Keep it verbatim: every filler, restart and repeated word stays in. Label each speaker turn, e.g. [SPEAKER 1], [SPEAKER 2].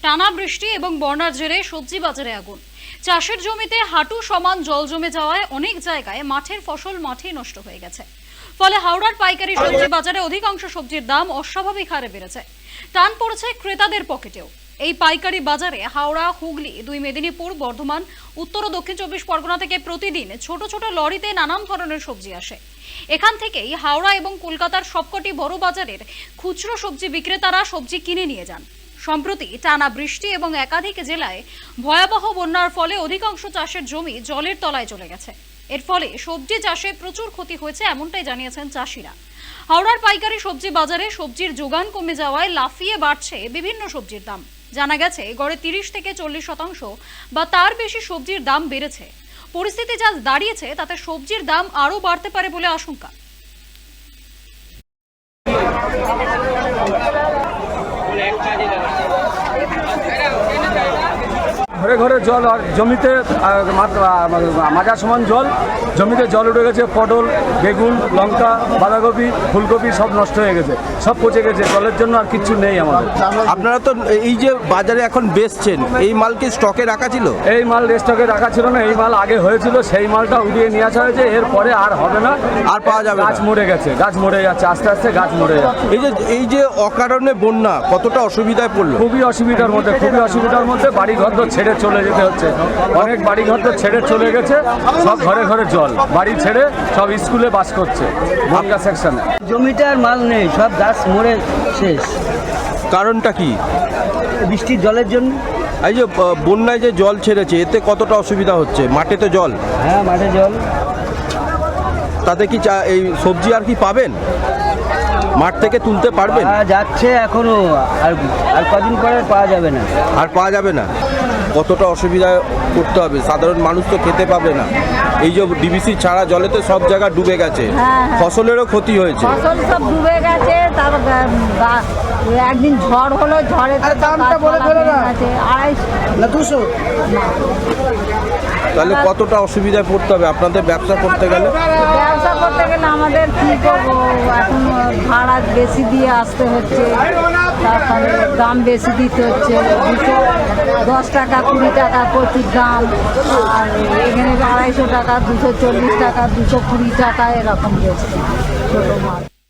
[SPEAKER 1] টানা বৃষ্টি এবং বন্যার জেরে সবজি বাজারে আগুন। চাষের জমিতে হাঁটু সমান জল জমে যাওয়ায় অনেক জায়গায় মাঠের ফসল মাঠেই নষ্ট হয়ে গেছে। ফলে হাওড়ার পাইকারি সবজি বাজারে অধিকাংশ সবজির দাম অস্বাভাবিক হারে বেড়েছে। টান পড়েছে ক্রেতাদের পকেটেও। এই পাইকারি বাজারে হাওড়া, হুগলি, দুই মেদিনীপুর, বর্ধমান, উত্তর ও দক্ষিণ চব্বিশ পরগনা থেকে প্রতিদিন ছোট ছোট লরিতে নানান ধরনের সবজি আসে। এখান থেকেই হাওড়া এবং কলকাতার সবকটি বড় বাজারের খুচরো সবজি বিক্রেতারা সবজি কিনে নিয়ে যান। সম্প্রতি টানা বৃষ্টি এবং একাধিক জেলায় ভয়াবহ বন্যার ফলে অধিকাংশ চাষের জমি জলের তলায় চলে গেছে। এর ফলে সবজি চাষে প্রচুর ক্ষতি হয়েছে, এমনটাই জানিয়েছেন চাষিরা। হাওড়ার পাইকারি সবজি বাজারে সবজির যোগান কমে যাওয়ায় লাফিয়ে বাড়ছে বিভিন্ন সবজির দাম। জানা গেছে গড়ে তিরিশ থেকে চল্লিশ শতাংশ বা তার বেশি সবজির দাম বেড়েছে। পরিস্থিতি যা দাঁড়িয়েছে তাতে সবজির দাম আরও বাড়তে পারে বলে আশঙ্কা।
[SPEAKER 2] ঘরে ঘরে জল আর জমিতে মাজা সমান জল, জমিতে জল উঠে গেছে। পটল, বেগুন, লঙ্কা, বাঁধাকপি, ফুলকপি সব নষ্ট হয়ে গেছে, সব পচে গেছে। জলের জন্য আর কিচ্ছু নেই আমাদের।
[SPEAKER 3] আপনারা তো এই যে বাজারে এখন বেচছেন, এই মাল কি স্টকে রাখা ছিল?
[SPEAKER 2] এই মাল স্টকে রাখা ছিল না, এই মাল আগে হয়েছিল, সেই মালটা উঠিয়ে নিয়ে আসা হয়েছে। এরপরে আর হবে না,
[SPEAKER 3] আর পাওয়া যাবে না।
[SPEAKER 2] গাছ মরে গেছে, গাছ মরে যাচ্ছে, আস্তে আস্তে গাছ মরে যাচ্ছে।
[SPEAKER 3] এই যে এই যে অকারণে বন্যা কতটা অসুবিধায় পড়লো?
[SPEAKER 2] খুবই অসুবিধার মধ্যে, খুবই অসুবিধার মধ্যে। বাড়ি ঘর তো ছেড়ে চলে যেতে হচ্ছে, অনেক বাড়ি ঘর তো ছেড়ে চলে গেছে। সব ঘরে ঘরে জল, বাড়ি ছেড়ে সব স্কুলে বাস করছে বনগা সেকশনে।
[SPEAKER 4] জমিতে আর মাল নেই, সব গাছ মরে শেষ।
[SPEAKER 3] কারণটা কি?
[SPEAKER 4] বৃষ্টির জলের জন্য।
[SPEAKER 3] এই যে বন্যায় যে জল ছেড়েছে, এতে কতটা অসুবিধা হচ্ছে? মাঠে তো জল।
[SPEAKER 4] হ্যাঁ, মাঠে জল।
[SPEAKER 3] তাতে কি চা- এই সবজি আর কি পাবেন? মাঠ থেকে তুলতে পারবেন?
[SPEAKER 4] পাওয়া যাচ্ছে এখনো, আর আর কদিন পরে পাওয়া যাবে না।
[SPEAKER 3] আর পাওয়া যাবে না। কতটা অসুবিধায় করতে হবে, সাধারণ মানুষ তো খেতে পাবে না। এই যে ডিবিসি ছাড়া জলেতে সব জায়গা ডুবে গেছে, ফসলেরও ক্ষতি হয়েছে।
[SPEAKER 5] ফসল সব ডুবে গেছে। তার গা- একদিন ঝড় হলো, ঝড়ে তো
[SPEAKER 4] দামটা বলে ফেলো না।
[SPEAKER 5] আড়াইশো
[SPEAKER 4] না দুশো।
[SPEAKER 3] তাহলে কতটা অসুবিধায় পড়তে হবে আপনাদের ব্যবসা করতে গেলে?
[SPEAKER 5] ব্যবসা করতে গেলে আমাদের কি করবো, এখন ভাড়া বেশি দিয়ে আসতে হচ্ছে, তারপরে দাম বেশি দিতে হচ্ছে। দুশো দশ টাকা, কুড়ি টাকা প্রচুর দাম। আর এখানে আড়াইশো টাকা, দুশো চল্লিশ টাকা, দুশো কুড়ি টাকা এরকম বেশি ছোটো মাছ।